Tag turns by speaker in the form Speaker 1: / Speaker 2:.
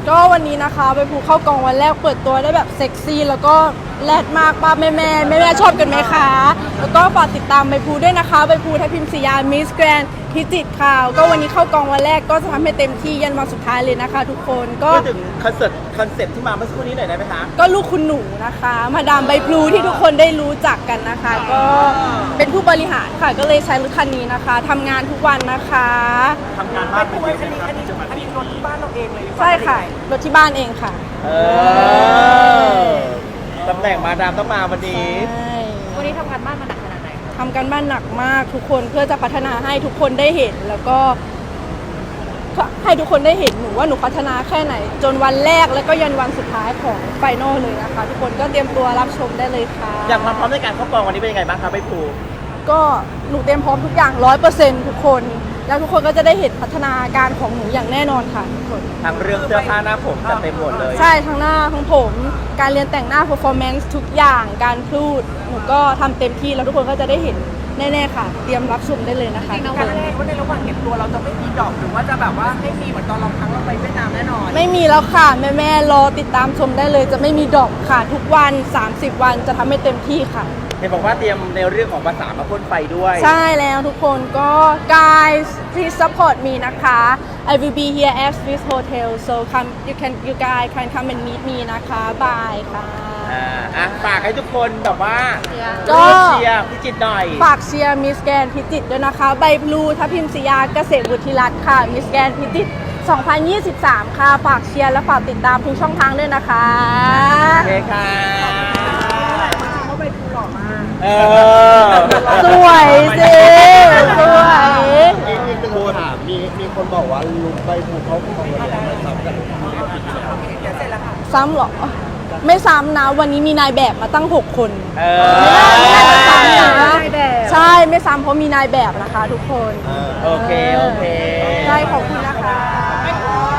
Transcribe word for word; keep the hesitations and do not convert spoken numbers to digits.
Speaker 1: ก็วันนี้นะคะไปภูเข้ากองวันแรกเปิดตัวได้แบบเซ็กซี่แล้วก็แรดมากป้าแม่แม่แม่แม่ชอบกันไหมคะแล้วก็ฝากติดตามใบภูด้วยนะคะใบภูทัพทิมศรียามิสแกรนด์พิจิตรค่ะก็วันนี้เข้ากองวันแรกก็จะทำให้เต็มที่ยันวันสุดท้ายเลยนะคะ ทุกคนก็
Speaker 2: พูดถึงคอนเสิร์ตคอนเซ็ปต์ที่มาเมื่อสักครู่นี้หน่อยได้ไหมคะ
Speaker 1: ก็ลูกคุณหนูนะคะมาดามใบพลูที่ทุกคนได้รู้จักกันนะคะ ก็เป็นผู้บริหารค่ะก็เลยใช้รถคันนี้นะคะทำงานทุกวันนะคะ
Speaker 2: ทำงานบ้านเป็นยังไงครับ
Speaker 3: อันนี้อันนี้รถที่บ้านเราเองเลย
Speaker 1: ใช่ค่ะรถที่บ้านเองค่ะ
Speaker 2: เออตำแหน่งมาดามต้องมาวันนี้
Speaker 1: ใช่
Speaker 3: วันนี้ทำงานบ้านมาหนักขนาดไหน
Speaker 1: ทำกันบ้านหนักมากทุกคนเพื่อจะพัฒนาให้ทุกคนได้เห็นแล้วก็ให้ทุกคนได้เห็นหนูว่าหนูพัฒนาแค่ไหน จนวันแรกแล้วก็ยันวันสุดท้ายของไฟนอลเลยนะคะทุกคนก็เตรียมตัวรับชมได้เลยค่ะ
Speaker 2: อยากมาพร้อมในการเข้ากองวันนี้เป็นยังไงบ้างคะใบภู
Speaker 1: ก็หนูเตรียมพร้อมทุกอย่างร้อยเปอร์เซ็นต์ทุกคนแล้วทุกคนก็จะได้เห็นพัฒนาการของหนูอย่างแน่นอนค่ะทุกคน
Speaker 2: ทั้งเรื่องเสื้อผ้าหน้าผมจัดเต็มหมดเลย
Speaker 1: ใช่ทั้งหน้าทั้งผมการเรียนแต่งหน้า performance ทุกอย่างการพูดหนูก็ทำเต็มที่แล้วทุกคนก็จะได้เห็นแน่ๆค่ะ เตรียมรับชมได้เลยนะคะทุกค
Speaker 3: การ
Speaker 1: น
Speaker 3: แรกว่าในระหว่างเก็บตัวเราจะไม่มีดอกหรือว่าจะแบบว่าให้มีเหมือนตอนเราครั้งเราไปเวียดนามแน่นอน
Speaker 1: ไม่มีแล้วค่ะแม่ๆรอติดตามชมได้เลยจะไม่มีดรอปค่ะทุกวันสามสิบวันจะทำให้เต็มที่ค่ะ
Speaker 2: เห็นบอกว่าเตรียมในเรื่องของภาษามาพ่นไฟด้วย
Speaker 1: ใช่แล้วทุกคนก็ guys please support me นะคะ I will be here at Swiss Hotel so come you can you guys can come and meet me นะคะบายค่ะ
Speaker 2: อ่าอ่ะฝากให้ทุกคนแบบว่า
Speaker 1: ก็
Speaker 2: ร่วมเชียร์พิจิตรหน่อย
Speaker 1: ฝากเชียร์มิสแกนพิจิตรด้วยนะคะใบพลูทัพทิมศรียาเกษตรบุตรรัตน์ค่ะมิสแกนพิจิตรสองพันยี่สิบสาม ค่ะฝากเชียร์และฝากติดตามทุกช่องทางด้วยนะคะ
Speaker 2: โอเคค่ะ
Speaker 3: เขาไปดูหล่อมาก
Speaker 2: เออ
Speaker 1: สวยสิสวย
Speaker 4: อีกอีกหนึ่งคำถามมีมีคนบอกว่าลุงใบภูเขาของเราไม่ซ้ำกัน
Speaker 3: เดี๋ยวเสร็จแล้วค่ะ
Speaker 1: ซ้ำเหรอ ไม่ซ้ำนะวันนี้มีนายแบบมาตั้งหกคน
Speaker 2: เอ
Speaker 1: ไม่น่าไม่น่าจะซ้ำนะ
Speaker 3: นายแบบ
Speaker 1: ใช่ไม่ซ้ำเพราะมีนายแบบนะคะทุกคน
Speaker 2: โอเค โอเค
Speaker 1: ใช่ขอบคุณนะคะ